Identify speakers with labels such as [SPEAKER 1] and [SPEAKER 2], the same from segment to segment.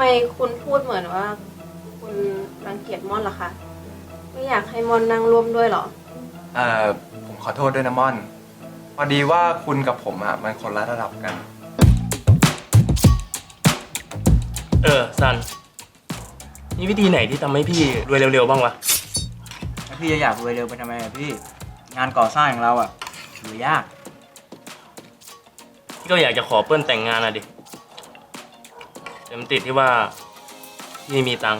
[SPEAKER 1] คุณพูดเหมือนว่าคุณรังเกียจม่อนเหรอคะไม่อยากให้ม่อนนั่งร่วมด้วยเหรอ
[SPEAKER 2] ผมขอโทษด้วยนะม่อนพอดีว่าคุณกับผมอ่ะมันคนละระดับกัน
[SPEAKER 3] ซันมีวิธีไหนที่ทำให้พี่รวยเร็วๆบ้างวะ
[SPEAKER 4] แล้วพี่จะอยากรวยเร็วไปทำไมอะพี่งานก่อสร้างอย่างเราอะถือยาก
[SPEAKER 3] พี่ก็อยากจะขอเปิ้ลแต่งงานอะดิแต่มันติดที่ว่าพี่มีตังค์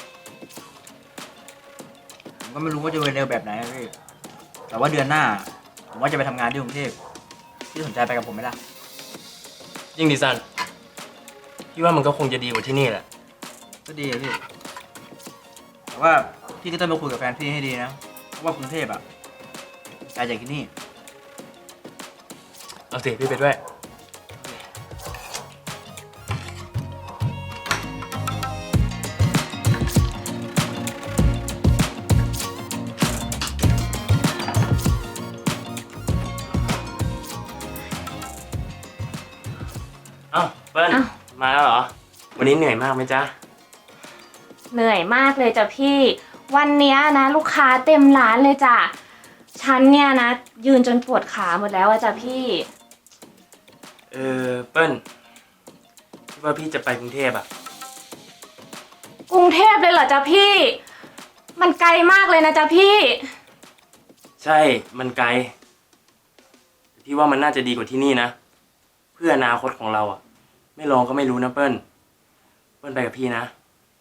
[SPEAKER 4] ผมก็ไม่รู้ว่าจะรวยเร็วแบบไหนอะพี่แต่ว่าเดือนหน้าผมว่าจะไปทำงานที่กรุงเทพพี่สนใจไปกับผมไหมล่ะ
[SPEAKER 3] ยิ่งดิซันพี่ว่ามันก็คงจะดีกว่าที่นี่แหละ
[SPEAKER 4] ก็ดีอะพี่แต่ว่าพี่ก็ต้องมาคุยกับแฟนพี่ให้ดีนะเพราะว่ากรุงเทพอะไกลจากที่นี่
[SPEAKER 3] เอาสิพี่ไปด้วยเอ้าเปิ้ลมาแล้วเหรอวันนี้เหนื่อยมากไหมจ๊ะ
[SPEAKER 5] เหนื่อยมากเลยจ้ะพี่วันเนี้ยนะลูกค้าเต็มร้านเลยจ้ะฉันเนี่ยนะยืนจนปวดขาหมดแล้วอะจ้ะพี่
[SPEAKER 3] เปิ้ลพี่ว่าพี่จะไปกรุงเทพอะ
[SPEAKER 5] กรุงเทพเลยเหรอจ๊ะพี่มันไกลมากเลยนะจ๊ะพี่
[SPEAKER 3] ใช่มันไกลพี่ว่ามันน่าจะดีกว่าที่นี่นะเพื่ออนาคตของเราอะไม่ลองก็ไม่รู้นะเปิ้ลไปกับพี่นะ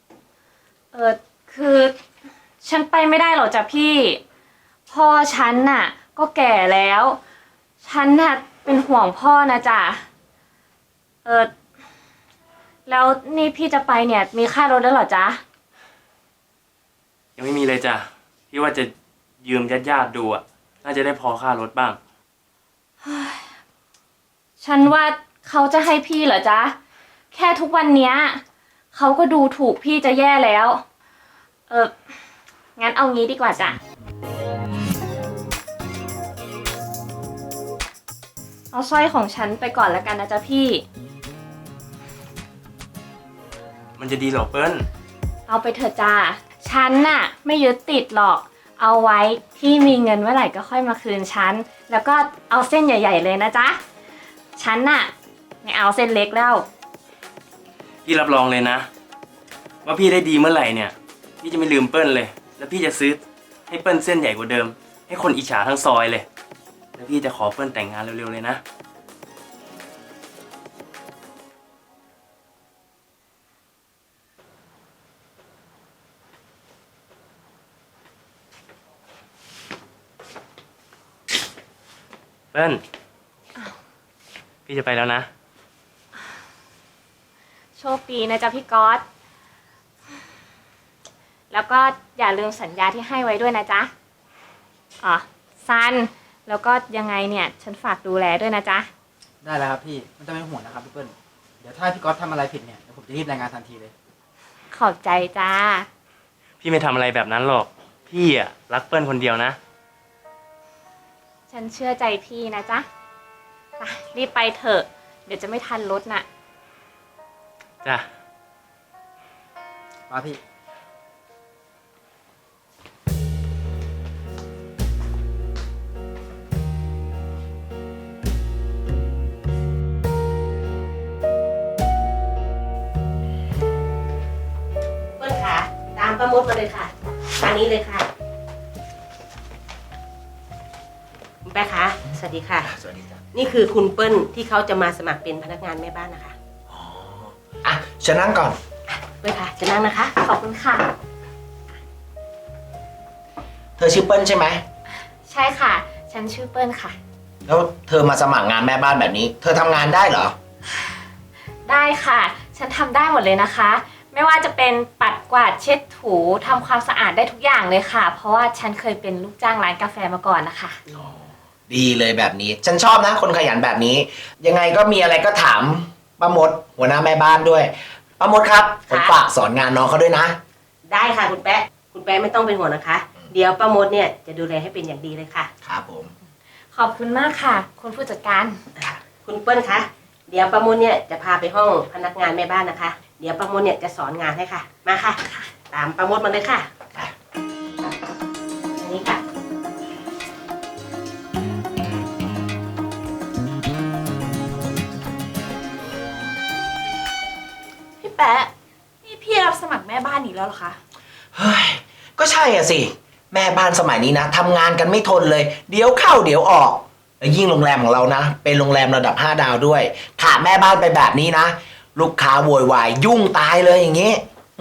[SPEAKER 5] คือฉันไปไม่ได้หรอกจ้ะพี่พ่อฉันน่ะก็แก่แล้วฉันน่ะเป็นห่วงพ่อนะจ๊ะแล้วนี่พี่จะไปเนี่ยมีค่ารถแล้วเหรอจ๊ะ
[SPEAKER 3] ยังไม่มีเลยจ้ะพี่ว่าจะยืมญาติดูอะน่าจะได้พอค่ารถบ้าง
[SPEAKER 5] ฉันว่าเขาจะให้พี่เหรอจ๊ะแค่ทุกวันเนี้ยเขาก็ดูถูกพี่จะแย่แล้วงั้นเอางี้ดีกว่าจ้ะเอาสร้อยของฉันไปก่อนแล้วกันนะจ๊ะพี่
[SPEAKER 3] มันจะดีหรอเปิ้ล
[SPEAKER 5] เอาไปเถอะจ้าฉันน่ะไม่ยึดติดหรอกเอาไว้พี่มีเงินเมื่อไหร่ก็ค่อยมาคืนฉันแล้วก็เอาเส้นใหญ่ๆเลยนะจ๊ะฉันน่ะไม่เอาเส้นเล็กแล้ว
[SPEAKER 3] พี่รับรองเลยนะว่าพี่ได้ดีเมื่อไหร่เนี่ยพี่จะไม่ลืมเปิ้ลเลยแล้วพี่จะซื้อให้เปิ้ลเส้นใหญ่กว่าเดิมให้คนอิจฉาทั้งซอยเลยแล้วพี่จะขอเปิ้ลแต่งงานเร็วๆเลยนะเปิ้ลพี่จะไปแล้วนะ
[SPEAKER 5] โชคดีนะจ๊ะพี่ก๊อตแล้วก็อย่าลืมสัญญาที่ให้ไว้ด้วยนะจ๊ะซันแล้วก็ยังไงเนี่ยฉันฝากดูแลด้วยนะจ๊ะ
[SPEAKER 4] ได้แล้วครับพี่ไม่ต้องเป็นห่วงนะครับพี่เปิ้ลเดี๋ยวถ้าพี่ก๊อตทำอะไรผิดเนี่ยเดี๋ยวผมจะรีบรายงานทันทีเลย
[SPEAKER 5] ขอบใจจ้า
[SPEAKER 3] พี่ไม่ทำอะไรแบบนั้นหรอกพี่อะรักเปิ้ลคนเดียวนะ
[SPEAKER 5] ฉันเชื่อใจพี่นะจ๊ะรีบไปเถอะเดี๋ยวจะไม่ทันรถน่ะ
[SPEAKER 3] จ้ะ
[SPEAKER 4] มาพี่
[SPEAKER 6] เปิ้ลค่ะตามป้ามดมาเลยค่ะทางนี้เลยค่ะคุณแป๊ะคะสวัสดีค่ะ
[SPEAKER 7] สวัสดีจ้ะ
[SPEAKER 6] นี่คือคุณเปิ้ลที่เขาจะมาสมัครเป็นพนักงานแม่บ้านนะคะ
[SPEAKER 7] อ่ะฉันนั่งก่อน
[SPEAKER 6] เปิ้ลค่ะจะนั่งนะคะ
[SPEAKER 5] ขอบคุณค่ะ
[SPEAKER 7] เธอชื่อเปิ้ลใช่ไหม
[SPEAKER 5] ใช่ค่ะฉันชื่อเปิ้ลค่ะ
[SPEAKER 7] แล้วเธอมาสมัครงานแม่บ้านแบบนี้เธอทำงานได้เหรอ
[SPEAKER 5] ได้ค่ะฉันทำได้หมดเลยนะคะไม่ว่าจะเป็นปัดกวาดเช็ดถูทำความสะอาดได้ทุกอย่างเลยค่ะเพราะว่าฉันเคยเป็นลูกจ้างร้านกาแฟมาก่อนนะคะ
[SPEAKER 7] ดีเลยแบบนี้ฉันชอบนะคนขยันแบบนี้ยังไงก็มีอะไรก็ถามป้ามดหัวหน้าแม่บ้านด้วยป้ามดครับผมฝากสอนงานน้องเขาด้วยนะ
[SPEAKER 6] ได้ค่ะคุณแป๊ะไม่ต้องเป็นห่วงนะคะเดี๋ยวป้ามดเนี่ยจะดูแลให้เป็นอย่างดีเลยค่ะ
[SPEAKER 7] ครับผม
[SPEAKER 5] ขอบคุณมากค่ะคุณผู้จัดการ
[SPEAKER 6] คุณเปิ้ลคะเดี๋ยวป้ามดเนี่ยจะพาไปห้องพนักงานแม่บ้านนะคะเดี๋ยวประมดเนี่ยจะสอนงานให้ค่ะ มาค่ะ ตามประมดมาเลยค่ะอันนี้ค่ะ
[SPEAKER 8] พี่แปะ นี่พี่รับสมัครแม่บ้านอีกแล้วเหรอคะ
[SPEAKER 7] เฮ้ย ก็ใช่อ่ะสิ แม่บ้านสมัยนี้นะทำงานกันไม่ทนเลย เดี๋ยวเข้าเดี๋ยวออก แล้วยิ่งโรงแรมของเรานะ เป็นโรงแรมระดับ 5 ดาวด้วย ขาดแม่บ้านไปแบบนี้นะ ลูกค้าโวยวายยุ่งตายเลยอย่างงี้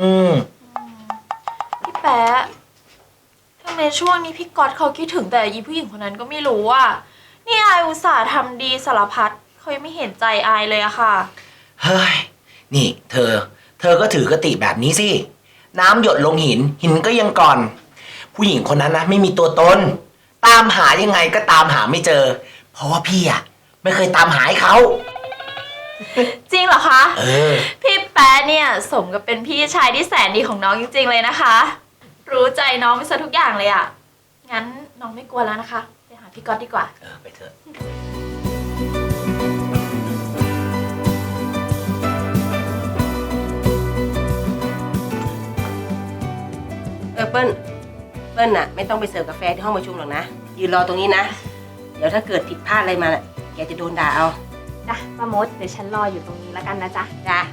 [SPEAKER 8] พี่แปะทำไมช่วงนี้พี่ก๊อตเขาคิดถึงแต่ยีผู้หญิงคนนั้นก็ไม่รู้อ่ะ นี่อายอุตส่าห์ทำดีสารพัดเขายังไม่เห็นใจอายเลยอะค่ะ
[SPEAKER 7] เฮ้ย นี่เธอก็ถือกติแบบนี้สิ น้ำหยดลงหิน หินก็ยังก่อน ผู้หญิงคนนั้นนะไม่มีตัวตน ตามหายังไงก็ตามหาไม่เจอ เพราะว่าพี่อะไม่เคยตามหาให้เขา
[SPEAKER 8] จริงเหรอคะ
[SPEAKER 7] อ
[SPEAKER 8] พี่แป๊ะเนี่ยสมกับเป็นพี่ชายที่แสนดีของน้องจริงๆเลยนะคะ รู้ใจน้องไปซะทุกอย่างเลยอะงั้นน้องไม่กลัวแล้วนะคะ ไปหาพี่ก๊อตดีกว่า
[SPEAKER 7] ไปเถอะ
[SPEAKER 6] เปิ้ลน่ะไม่ต้องไปเสิร์ฟกาแฟที่ห้องประชุมหรอกนะ ยืนรอตรงนี้นะ เดี๋ยวถ้าเกิดผิดพลาดอะไรมาน่ะแกจะโดนด่าเอา
[SPEAKER 5] จ้ะป้ามดเดี๋ยวฉันรออยู่ตรงนี้แล้วกันนะจ๊ะ
[SPEAKER 6] จ้า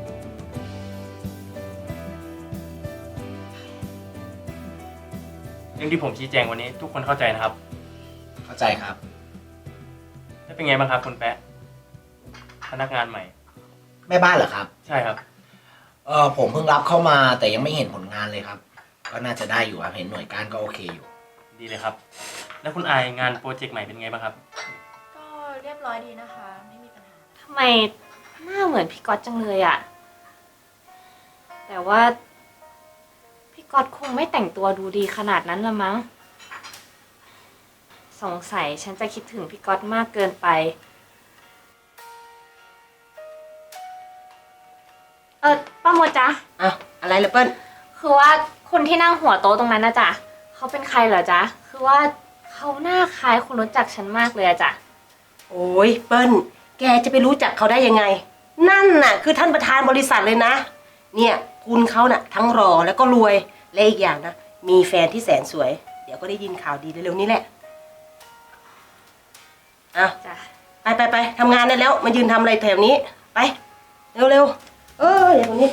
[SPEAKER 3] เรื่องที่ผมชี้แจงวันนี้ทุกคนเข้าใจนะครับ
[SPEAKER 7] เข้าใจครับ
[SPEAKER 3] แล้วเป็นไงบ้างครับคุณแปะพนักงานใหม่
[SPEAKER 7] แม่บ้านเหรอครับ
[SPEAKER 3] ใช่ครับ
[SPEAKER 7] ผมเพิ่งรับเข้ามาแต่ยังไม่เห็นผลงานเลยครับ ก็น่าจะได้อยู่ครับ เห็นหน่วยการก็โอเคอยู่
[SPEAKER 3] ดีเลยครับ แล้วคุณอายงานโปรเจกต์ใหม่เป็นไงบ้างครับ
[SPEAKER 8] ก็เรียบร้อยดีนะคะ ไม่มีปัญหา
[SPEAKER 5] ทำไมหน้าเหมือนพี่ก๊อตจังเลยอะแต่ว่าพี่ก๊อตคงไม่แต่งตัวดูดีขนาดนั้นละมั้ง สงสัยฉันจะคิดถึงพี่ก๊อตมากเกินไป ป้าโมดจ๊ะ
[SPEAKER 6] อ้าวอะไรล่ะเปิ้ล
[SPEAKER 5] คือว่าคนที่นั่งหัวโต๊ะตรงนั้นนะจ๊ะเขาเป็นใครเหรอจ๊ะ คือว่าเขาหน้าคล้ายคนรู้จักฉันมากเลยอะจ๊ะ
[SPEAKER 6] โอ้ยเปิ้ลแกจะไปรู้จักเขาได้ยังไง นั่นน่ะคือท่านประธานบริษัทเลยนะ เนี่ยคุณเขาน่ะทั้งรอแล้วก็รวยและอีกอย่างนะมีแฟนที่แสนสวย เดี๋ยวก็ได้ยินข่าวดีเร็วๆนี้แหละอ้าว
[SPEAKER 5] จ้ะ
[SPEAKER 6] ไปทำงานได้แล้วมายืนทำอะไรแถวนี้ไปเร็วๆอย่างนี้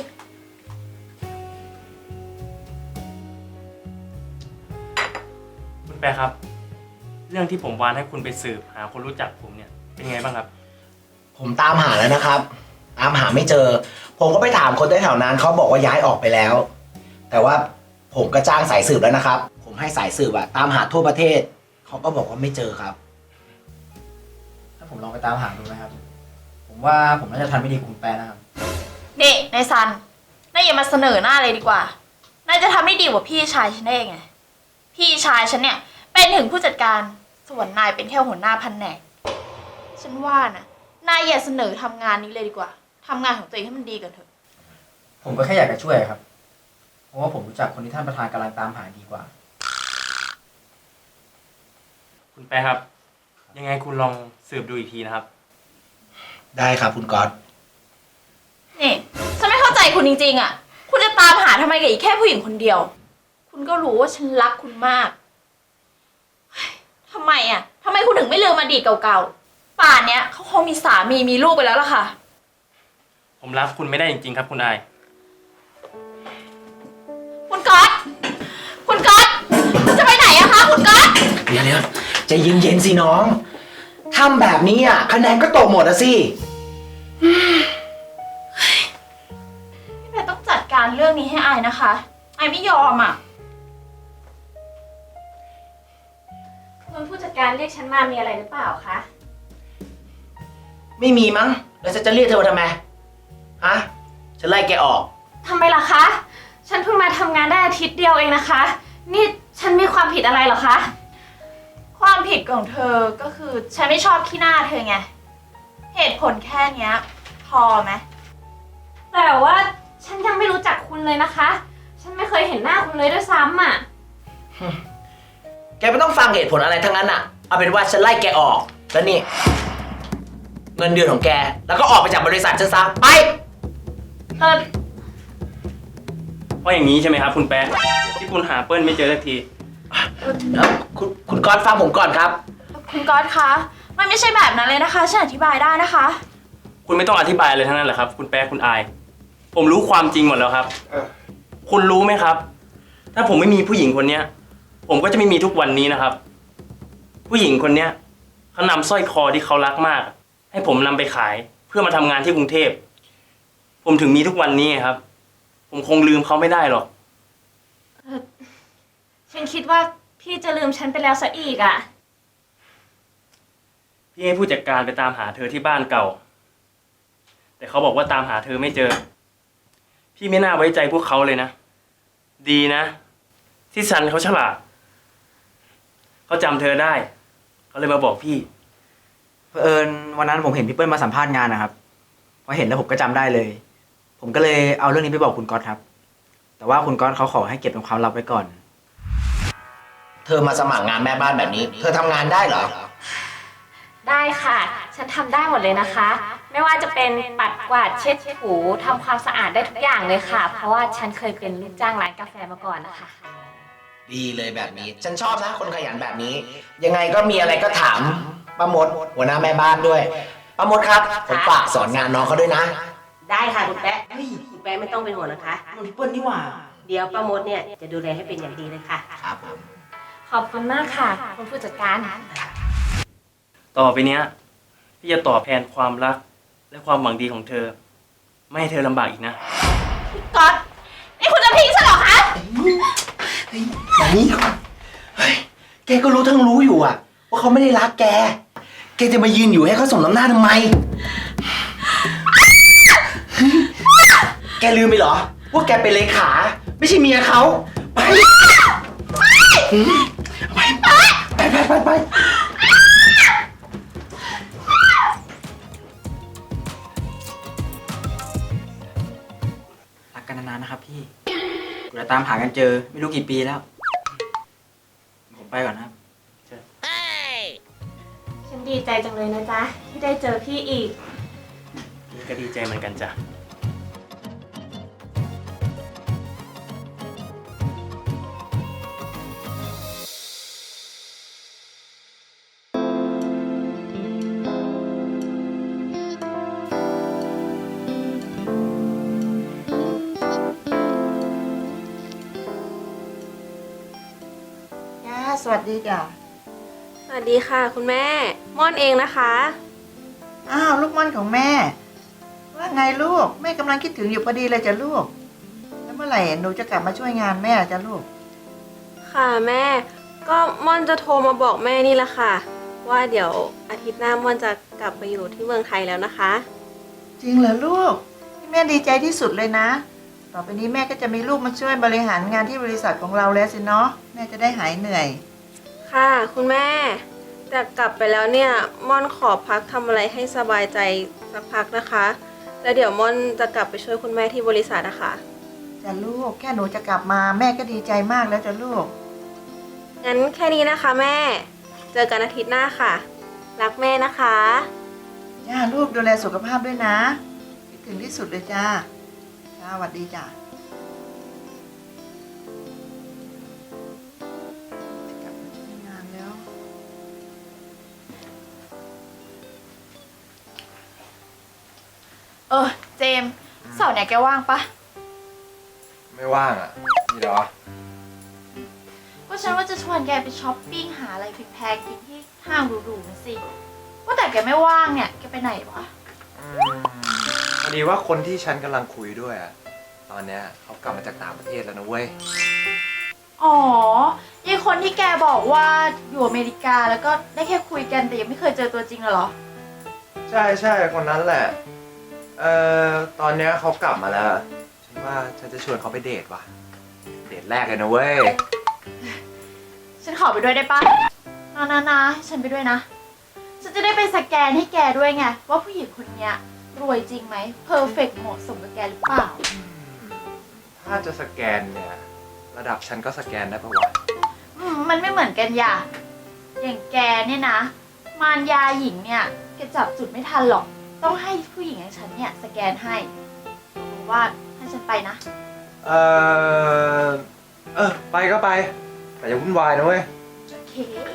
[SPEAKER 3] คุณแปะครับ เรื่องที่ผมวานให้คุณไปสืบหาคนรู้จักผมเนี่ยเป็นไงบ้างครับ
[SPEAKER 7] ผมตามหาแล้วนะครับ ตามหาไม่เจอ ผมก็ไปถามคนแถวนั้นเขาบอกว่าย้ายออกไปแล้ว แต่ว่าผมก็จ้างสายสืบแล้วนะครับ ผมให้สายสืบอะตามหาทั่วประเทศ เขาก็บอกว่าไม่เจอครับ
[SPEAKER 4] ถ้าผมลองไปตามหาดูนะครับ ผมว่าผมน่าจะทันไม่ดีกว่าคุณแปะนะครับ
[SPEAKER 8] นี่นายซันนายอย่ามาเสนอหน้าเลยดีกว่า นายจะทำได้ดีกว่าพี่ชายฉันได้ยังไง พี่ชายฉันเนี่ยเป็นถึงผู้จัดการ ส่วนนายเป็นแค่หัวหน้าแผนก ฉันว่านะนายอย่าเสนอทำงานนี้เลยดีกว่า ทำงานของตัวเองให้มันดีกันเถอะ
[SPEAKER 4] ผมก็แค่อยากจะช่วยครับ เพราะว่าผมรู้จักคนที่ท่านประธานกำลังตามหาดีกว่า
[SPEAKER 3] คุณแปะครับ ยังไงคุณลองสืบดูอีกทีนะครับ
[SPEAKER 7] ได้ครับคุณก๊อต
[SPEAKER 8] นี่ฉันไม่เข้าใจคุณจริงๆอ่ะ คุณจะตามหาทำไมกับอีกแค่ผู้หญิงคนเดียว คุณก็รู้ว่าฉันรักคุณมากเฮ้ยทำไมอ่ะทำไมคุณถึงไม่ลืมอดีตเก่าๆ ป่านเนี้ยเขาคงมีสามีมีลูกไปแล้วล่ะค่ะ
[SPEAKER 3] ผมรับคุณไม่ได้จริงๆครับคุณอาย
[SPEAKER 8] คุณก๊อตคุณก๊อตคุณจะไปไหนอะคะคุณก๊อต
[SPEAKER 7] เดี๋ยวใจเย็นๆสิน้องทำแบบนี้อะคะแนนก็ตกหมดอะสิ
[SPEAKER 8] พี่แพรต้องจัดการเรื่องนี้ให้อายนะคะอายไม่ยอมอ่ะ
[SPEAKER 5] คุณผู้จัดการเรียกฉันมามีอะไรหรือเปล่าคะ
[SPEAKER 7] ไม่มีมั้ง แล้วฉันจะเรียกเธอมาทำไม ฮะ ฉันไล่แกออก
[SPEAKER 5] ทำไมล่ะคะ ฉันเพิ่งมาทำงานได้อาทิตย์เดียวเองนะคะ นี่ฉันมีความผิดอะไรเหรอคะ
[SPEAKER 8] ความผิดของเธอก็คือฉันไม่ชอบขี้หน้าเธอไง เหตุผลแค่เนี้ย พอไหม
[SPEAKER 5] แต่ว่าฉันยังไม่รู้จักคุณเลยนะคะ ฉันไม่เคยเห็นหน้าคุณเลยด้วยซ้ำอ่ะ
[SPEAKER 7] แกไม่ต้องฟังเหตุผลอะไรทั้งนั้นอะเอาเป็นว่าฉันไล่แกออก แล้วนี่ เงินเดือนของแก แล้วก็ออกไปจากบริษัทฉันซะ ไป
[SPEAKER 5] เออ
[SPEAKER 3] ราะอย่างนี้ใช่ไหมครับ คุณแป๊ะที่คุณหาเปิ้ลไม่เจอสักที
[SPEAKER 7] คุณก๊อตฟังผมก่อนครับ
[SPEAKER 8] คุณก๊อตคะ มันไม่ใช่แบบนั้นเลยนะคะ ฉันอธิบายได้นะคะ
[SPEAKER 3] คุณไม่ต้องอธิบายเลยทั้งนั้นแหละครับ คุณแป๊ะคุณอาย ผมรู้ความจริงหมดแล้วครับ คุณรู้ไหมครับ ถ้าผมไม่มีผู้หญิงคนเนี้ย ผมก็จะไม่มีทุกวันนี้นะครับ ผู้หญิงคนเนี้ยเขานำสร้อยคอที่เขารักมาก ให้ผมนำไปขายเพื่อมาทำงานที่กรุงเทพ ผมถึงมีทุกวันนี้ครับ ผมคงลืมเขาไม่ได้หรอก
[SPEAKER 5] ฉันคิดว่าพี่จะลืมฉันไปแล้วซะอีกอ่ะ
[SPEAKER 3] พี่ให้ผู้จัดการไปตามหาเธอที่บ้านเก่า แต่เขาบอกว่าตามหาเธอไม่เจอ พี่ไม่น่าไว้ใจพวกเขาเลยนะ ดีนะ ที่ซันเขาฉลาด เขาจำเธอได้ เขาเลยมาบอกพี่
[SPEAKER 4] เผอิญวันนั้นผมเห็นพี่เปิ้ลมาสัมภาษณ์งานนะครับ พอเห็นแล้วผมก็จำได้เลย ผมก็เลยเอาเรื่องนี้ไปบอกคุณก๊อตครับ แต่ว่าคุณก๊อตเขาขอให้เก็บเป็นความลับไว้ก่อน
[SPEAKER 7] เธอมาสมัครงานแม่บ้านแบบนี้ เธอทำงานได้เหรอ
[SPEAKER 5] ได้ค่ะ ฉันทำได้หมดเลยนะคะ ไม่ว่าจะเป็นปัดกวาดเช็ดถูทำความสะอาดได้ทุกอย่างเลยค่ะ เพราะว่าฉันเคยเป็นลูกจ้างร้านกาแฟมาก่อนนะคะ
[SPEAKER 7] ดีเลยแบบนี้ ฉันชอบนะคนขยันแบบนี้ ยังไงก็มีอะไรก็ถามป้ามดหัวหน้าแม่บ้านด้วยป้ามดครับ ผมฝากสอนงานน้องเขาด้วยนะ
[SPEAKER 6] ได้ค่ะคุณแป๊ะคุณแป๊ะไม่ต้องเป็นห่วงนะคะ
[SPEAKER 4] พี่เปิ้ลนี่หว่า
[SPEAKER 6] เดี๋ยวป้ามดเนี่ยจะดูแลให้เป็นอย่างดีเลยค่ะ
[SPEAKER 7] ครับผม
[SPEAKER 5] ขอบคุณมากค่ะ คุณผู้จัดการ
[SPEAKER 3] ต่อไปเนี้ย พี่จะตอบแทนความรักและความหวังดีของเธอ ไม่ให้เธอลำบากอีกนะ
[SPEAKER 8] ก๊อต นี่คุณจะทิ้งฉันเหรอคะ
[SPEAKER 7] นี่เฮ้ยแกก็รู้ทั้งรู้อยู่อะว่าเขาไม่ได้รักแก แกจะมายืนอยู่ให้เขาสมน้ำหน้าทำไม แกลืมไปเหรอ ว่าแกเป็นเลขา ไม่ใช่เมียเขา ไปไป
[SPEAKER 4] รักกันนานๆนะครับพี่กูจะตามหากันเจอไม่รู้กี่ปีแล้ว ผมไปก่อนนะครับ
[SPEAKER 5] ฉันดีใจจังเลยนะจ๊ะ ที่ได้เจอพี่อีก
[SPEAKER 3] พี่ก็ดีใจเหมือนกันจ้ะ
[SPEAKER 9] จ้าสวัสดีจ้ะ
[SPEAKER 1] สวัสดีค่ะ คุณแม่ ม่อนเองนะคะ
[SPEAKER 9] อ้าวลูกม่อนของแม่ ว่าไงลูกแม่กำลังคิดถึงอยู่พอดีเลยจ้ะลูก แล้วเมื่อไหร่หนูจะกลับมาช่วยงานแม่จ้ะลูก
[SPEAKER 1] ค่ะแม่ ก็ม่อนจะโทรมาบอกแม่นี่แหละค่ะ ว่าเดี๋ยวอาทิตย์หน้าม่อนจะกลับไปอยู่ที่เมืองไทยแล้วนะคะ
[SPEAKER 9] จริงเหรอลูกแม่ดีใจที่สุดเลยนะ ต่อไปนี้แม่ก็จะมีลูกมาช่วยบริหารงานที่บริษัทของเราแล้วสิเนาะแม่จะได้หายเหนื่อย
[SPEAKER 1] ค่ะคุณแม่ แต่กลับไปแล้วเนี่ยม่อนขอพักทำอะไรให้สบายใจสักพักนะคะ แล้วเดี๋ยวม่อนจะกลับไปช่วยคุณแม่ที่บริษัทนะคะ
[SPEAKER 9] จ้ะลูกแค่หนูจะกลับมาแม่ก็ดีใจมากแล้วจ้ะลูก
[SPEAKER 1] งั้นแค่นี้นะคะแม่ เจอกันอาทิตย์หน้าค่ะ รักแม่นะคะ
[SPEAKER 9] จ้าลูกดูแลสุขภาพด้วยนะคิดถึงที่สุดเลยจ้าจ้าสวัสดีจ้าจะกลับมาช่วยงานแล้ว
[SPEAKER 8] เจมส์เสาร์เนี่ยแกว่างปะ
[SPEAKER 2] ไม่ว่างอ่ะนี่เหรอ
[SPEAKER 8] ก็ฉันว่าจะชวนแกไปช้อปปิ้งหาอะไรแพงๆกินที่ห้างหรูๆนะสิ ว่าแต่แกไม่ว่างเนี่ย แกไปไหนวะ
[SPEAKER 2] พอดีว่าคนที่ฉันกำลังคุยด้วยอ่ะ ตอนเนี้ยเขากลับมาจากต่างประเทศแล้วนะเว้ย
[SPEAKER 8] อ๋อยายคนที่แกบอกว่าอยู่อเมริกาแล้วก็ได้แค่คุยกันแต่ยังไม่เคยเจอตัวจริงเหรอ
[SPEAKER 2] ใช่คนนั้นแหละ ตอนเนี้ยเขากลับมาแล้ว ฉันว่าฉันจะชวนเขาไปเดทว่ะ เดทแรกเลยนะเว้ย
[SPEAKER 8] ฉันขอไปด้วยได้ปะนะให้ฉันไปด้วยนะ ฉันจะได้ไปสแกนให้แกด้วยไงว่าผู้หญิงคนเนี้ยรวยจริงไหมเพอร์เฟกเหมาะสมกับแกหรือเปล่า
[SPEAKER 2] ถ้าจะสแกนเนี่ย ระดับฉันก็สแกนได้ปะวะ
[SPEAKER 8] มันไม่เหมือนกันอย่าอย่างแกเนี่ยนะ มารยาหญิงเนี่ยแกจับจุดไม่ทันหรอก ต้องให้ผู้หญิงอย่างฉันเนี่ยสแกนให้บอกว่าให้ฉันไปนะ
[SPEAKER 2] เอไปก็ไป แต่อย่าวุ่นวายนะเว้ย
[SPEAKER 8] โอเค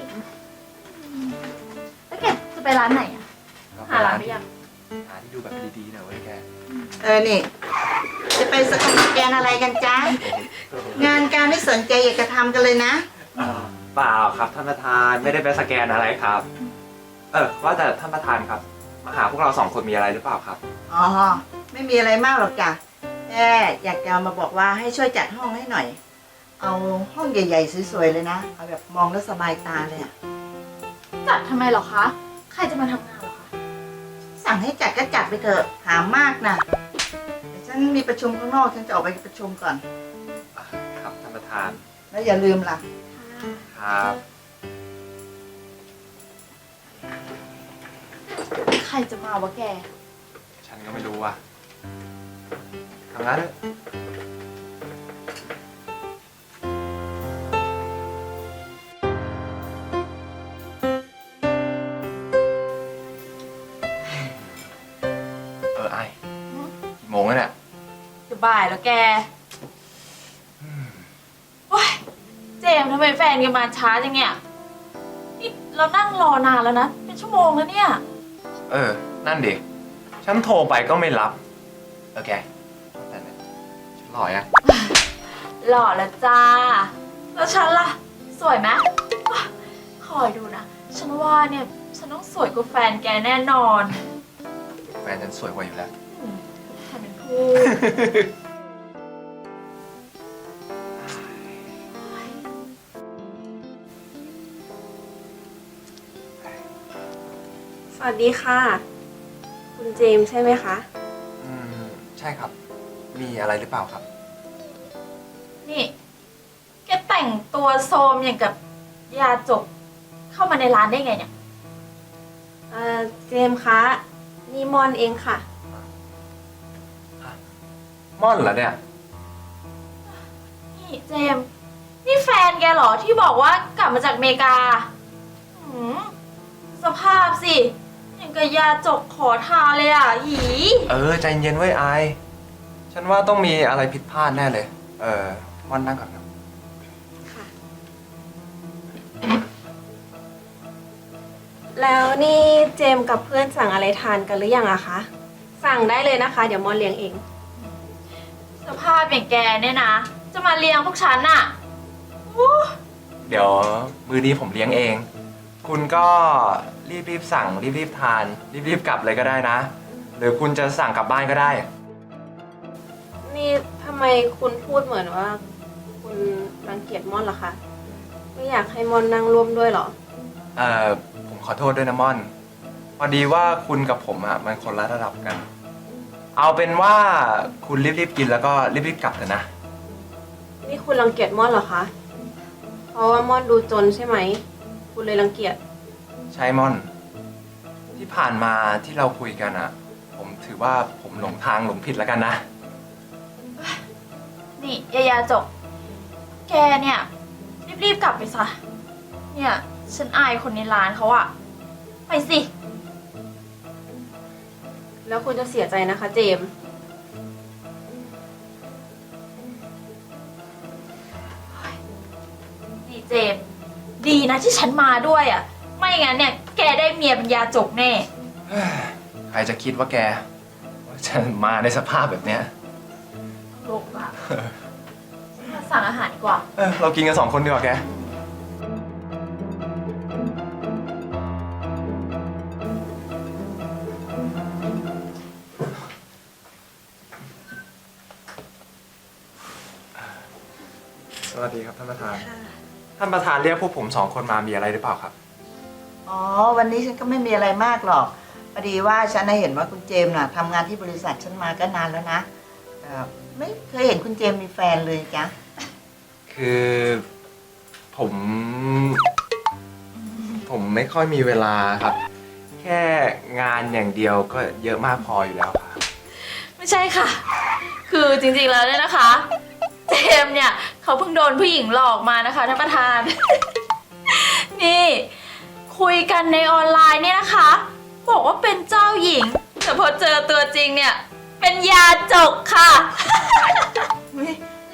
[SPEAKER 8] แล้วแกจะไปร้านไหนอะหาร้านหรือยัง
[SPEAKER 2] หาที่ดูแบบดีๆหน่อยเว้ยแก
[SPEAKER 9] นี่ จะไปสแกนอะไรกันจ๊ะ งานการไม่สนใจอยากจะทำกันเลยนะ
[SPEAKER 2] เปล่าครับท่านประธานไม่ได้ไปสแกนอะไรครับ ว่าแต่ท่านประธานครับ มาหาพวกเราสองคนมีอะไรหรือเปล่าครับ
[SPEAKER 9] อ๋อ ไม่มีอะไรมากหรอกจ้ะแค่อยากจะมาบอกว่าให้ช่วยจัดห้องให้หน่อย เอาห้องใหญ่ๆสวยๆเลยนะ เอาแบบมองแล้วสบายตาเลยอะ
[SPEAKER 8] จัดทำไมเหรอคะ ใครจะมาทำงานเหรอคะ
[SPEAKER 9] สั่งให้จัดก็จัดไปเถอะหามากนะเดี๋ยวฉันมีประชุมข้างนอกฉันจะออกไปประชุมก่อน
[SPEAKER 2] ครับท่านประธาน
[SPEAKER 9] แล้วอย่าลืมล่ะ
[SPEAKER 2] ครับ
[SPEAKER 8] ใครจะมาวะแก
[SPEAKER 2] ฉันก็ไม่รู้ว่ะทำงานเลยไอ้กี่โมงแล้วเนี่ย
[SPEAKER 8] จะบ่ายแล้วแกว้ายเจมส์ทำไมแฟนแกมาช้าจังเนี่ย นี่เรานั่งรอนานแล้วนะ เป็นชั่วโมงแล้วเนี่ย
[SPEAKER 2] นั่นดิ ฉันโทรไปก็ไม่รับ แกแต่เนี่ยฉันหล่อยัง
[SPEAKER 8] หล่อแล้วจ้า แล้วฉันล่ะ สวยไหมว้าคอยดูนะ ฉันว่าเนี่ย ฉันต้องสวยกว่าแฟนแกแน่นอน
[SPEAKER 2] แฟนฉันสวยกว่าอยู่แล้ว
[SPEAKER 8] ทำเป็นพูด
[SPEAKER 1] สวัสดีค่ะ คุณเจมส์ใช่ไหมคะ
[SPEAKER 2] ใช่ครับ มีอะไรหรือเปล่าครับ
[SPEAKER 8] นี่ แกแต่งตัวโซมอย่างกับยาจก เข้ามาในร้านได้ไงเนี่ย
[SPEAKER 1] เจมส์คะนี่มอนเองค่ะ
[SPEAKER 2] ม่อนเหรอเนี่ย
[SPEAKER 8] นี่เจมส์นี่แฟนแกเหรอที่บอกว่ากลับมาจากอเมริกาหืมสภาพสิอย่างกับยาจกขอทานเลยอ่ะหี
[SPEAKER 2] ใจเย็นไว้ไอายฉันว่าต้องมีอะไรผิดพลาดแน่เลย ม่อนนั่งก่อนครับ
[SPEAKER 1] ค่ะ แล้วนี่เจมส์กับเพื่อนสั่งอะไรทานกันหรือยังอะคะ สั่งได้เลยนะคะ เดี๋ยวมอนเลี้ยงเอง
[SPEAKER 8] สภาพอย่างแกเนี่ยนะ จะมาเลี้ยงพวกฉันน่ะอู้
[SPEAKER 2] เดี๋ยวมื้อนี้ผมเลี้ยงเอง คุณก็รีบสั่งรีบทานรีบกลับเลยก็ได้นะ หรือคุณจะสั่งกลับบ้านก็ได้
[SPEAKER 1] นี่ทำไมคุณพูดเหมือนว่า คุณรังเกียจม่อนเหรอคะ ไม่อยากให้ม่อนนั่งร่วมด้วยเหรอ
[SPEAKER 2] ผมขอโทษด้วยนะม่อน พอดีว่าคุณกับผมอ่ะมันคนละระดับกัน เอาเป็นว่าคุณรีบกินแล้วก็รีบกลับเถอะนะ
[SPEAKER 1] นี่คุณรังเกียจม่อนเหรอคะ เพราะว่าม่อนดูจนใช่ไหม คุณเลยรังเกียจ
[SPEAKER 2] ใช่ม่อน ที่ผ่านมาที่เราคุยกันอ่ะ ผมถือว่าผมหลงทางหลงผิดแล้วกันนะ
[SPEAKER 8] นี่ยาจก แกเนี่ย รีบกลับไปซะ เนี่ย ฉันอายคนในร้านเขาอะไปสิ
[SPEAKER 1] แล้วคุณจะเสียใจนะคะเจมส์
[SPEAKER 8] นี่เจมส์ดีนะที่ฉันมาด้วยอะไม่งั้นเนี่ย แกได้เมียเป็นยาจกแน่
[SPEAKER 2] ใครจะคิดว่าแกว่าจะมาในสภาพแบบเนี้ย
[SPEAKER 8] โลกอะฉันมาสั่งอาหารดีกว่า
[SPEAKER 2] เรากินกัน2 คนดีกว่าแก สวัสดีครับท่านประธาน ท่านประธานเรียกพวกผม2 คนมามีอะไรหรือเปล่าครับ
[SPEAKER 9] อ๋อ วันนี้ฉันก็ไม่มีอะไรมากหรอกพอดีว่าฉันน่ะเห็นว่าคุณเจมส์น่ะทำงานที่บริษัทฉันมาก็นานแล้วนะไม่เคยเห็นคุณเจมส์มีแฟนเลยจ้ะ
[SPEAKER 2] คือผมไม่ค่อยมีเวลาครับ แค่งานอย่างเดียวก็เยอะมากพออยู่แล้วครับ
[SPEAKER 8] ไม่ใช่ค่ะ คือจริงๆแล้วเนี่ยนะคะ เจมส์เนี่ยเขาเพิ่งโดนผู้หญิงหลอกมานะคะท่านประธาน นี่คุยกันในออนไลน์เนี่ยนะคะ บอกว่าเป็นเจ้าหญิง แต่พอเจอตัวจริงเนี่ย เป็นยาจกค่ะ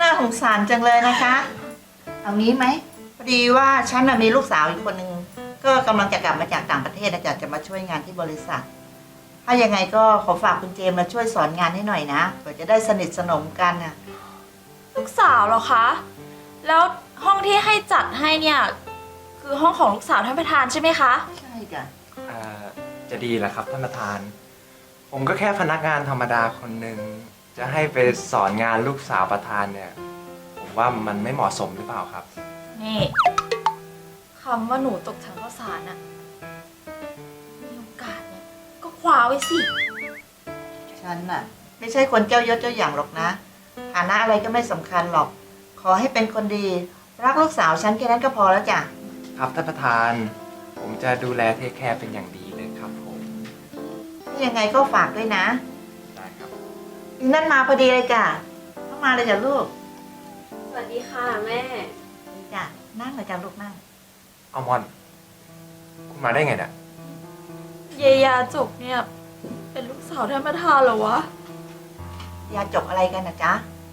[SPEAKER 9] ารจังเลยนะคะ เอางี้ไหมพอดีว่าฉันน่ะมีลูกสาวอีกคนนึงก็กำลังจะกลับมาจากต่างประเทศนะจ๊ะจะมาช่วยงานที่บริษัท ถ้ายังไงก็ขอฝากคุณเจมส์มาช่วยสอนงานให้หน่อยนะเผื่อจะได้สนิทสนมกันน่ะ
[SPEAKER 8] ลูกสาวเหรอคะ แล้วห้องที่ให้จัดให้เนี่ย คือห้องของลูกสาวท่านประธานใช่ไหมคะ
[SPEAKER 9] ใช่จ้ะ
[SPEAKER 2] จะดีเหรอครับท่านประธาน ผมก็แค่พนักงานธรรมดาคนหนึ่งจะให้ไปสอนงานลูกสาวประธานเนี่ย ผมว่ามันไม่เหมาะสมหรือเปล่าครับ
[SPEAKER 8] นี่คำว่าหนูตกถังข้าวสารอะมีโอกาสเนี่ยก็คว้าไว้สิ
[SPEAKER 9] ฉันน่ะไม่ใช่คนเจ้ายศเจ้าอย่างหรอกนะฐานะอะไรก็ไม่สำคัญหรอก ขอให้เป็นคนดี รักลูกสาวฉันแค่นั้นก็พอแล้วจ้ะ
[SPEAKER 2] ครับท่านประธาน ผมจะดูแลเทคแคร์เป็นอย่างดีเลยครับผม
[SPEAKER 9] ยังไงก็ฝากด้วยนะ
[SPEAKER 2] ได้ครับ
[SPEAKER 9] นั่นมาพอดีเลยจ้ะเข้ามาเลยจ้ะลูก
[SPEAKER 1] สวัสดีค่ะแม่
[SPEAKER 9] นี่จ้ะนั่งเลยจ้ะลูกนั่ง
[SPEAKER 2] เอามอน คุณมาได้ไงเนี่ย
[SPEAKER 8] เยยาจกเนี่ย เป็นลูกสาวท่านประธานเหรอวะ
[SPEAKER 9] ยาจบอะไรกันนะจ๊ะ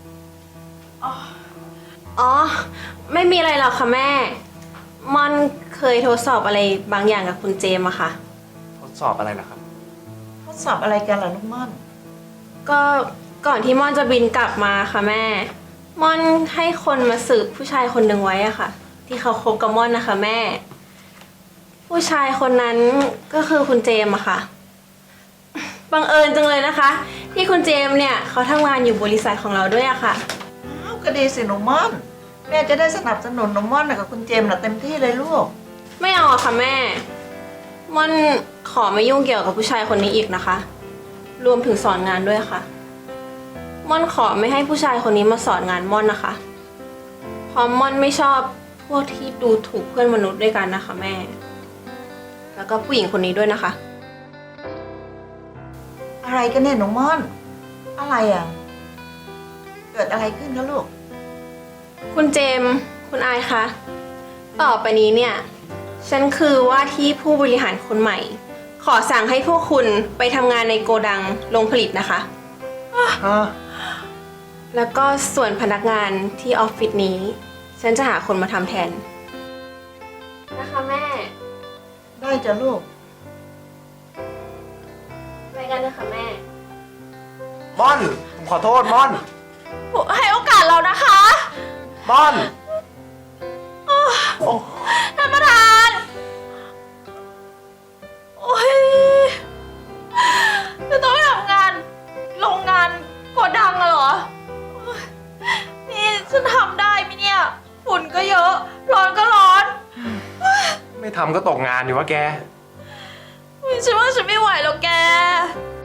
[SPEAKER 1] อ๋อ ไม่มีอะไรหรอกค่ะแม่ ม่อนเคยทดสอบอะไรบางอย่างกับคุณเจมอะค่ะ
[SPEAKER 2] ทดสอบอะไรเหรอครับ
[SPEAKER 9] ทดสอบอะไรกันเหรอลูกม่อน
[SPEAKER 1] ก็ก่อนที่ม่อนจะบินกลับมาค่ะแม่ ม่อนให้คนมาสืบผู้ชายคนหนึ่งไว้อะค่ะ ที่เขาคบกับม่อนนะคะแม่ ผู้ชายคนนั้นก็คือคุณเจมอะค่ะ บังเอิญจังเลยนะคะ ที่คุณเจมเนี่ยเขาทำงานอยู่บริษัทของเราด้วยอะค่ะ
[SPEAKER 9] อ้าวก็ดีสิหนูม่อน แม่จะได้สนับสนุนหนูม่อนกับคุณเจมส์น่ะเต็มที่เลยลูก
[SPEAKER 1] ไม่เอาอะค่ะแม่ ม่อนขอไม่ยุ่งเกี่ยวกับผู้ชายคนนี้อีกนะคะ รวมถึงสอนงานด้วยค่ะ ม่อนขอไม่ให้ผู้ชายคนนี้มาสอนงานม่อนนะคะ เพราะม่อนไม่ชอบพวกที่ดูถูกเพื่อนมนุษย์ด้วยกันนะคะแม่ แล้วก็ผู้หญิงคนนี้ด้วยนะคะ
[SPEAKER 9] อะไรกันเนี่ยหนูม่อน อะไรอ่ะ เกิดอะไรขึ้นคะลูก
[SPEAKER 1] คุณเจมส์คุณอายคะ ต่อไปนี้เนี่ย ฉันคือว่าที่ผู้บริหารคนใหม่ ขอสั่งให้พวกคุณไปทำงานในโกดังโรงผลิตนะคะ แล้วก็ส่วนพนักงานที่ออฟฟิศนี้ ฉันจะหาคนมาทำแทน นะคะแม่
[SPEAKER 9] ได้จ้ะลูก
[SPEAKER 1] ไปกันเลยค่ะแม่
[SPEAKER 2] ม่อน ผมขอโทษม่อน
[SPEAKER 8] ให้โอกาสเรานะคะ
[SPEAKER 2] ม่อน
[SPEAKER 8] ท่านประธาน โอ้ยจะต้องไปทำงานโรงงานโกดังอะเหรอโอ๊ยนี่ฉันทำได้ไหมเนี่ย ฝุ่นก็เยอะ ร้อนก็ร้อน
[SPEAKER 2] ไม่ทำก็ตกงานอยู่วะแก
[SPEAKER 8] ฉันว่าฉันไม่ไหวแล้วแก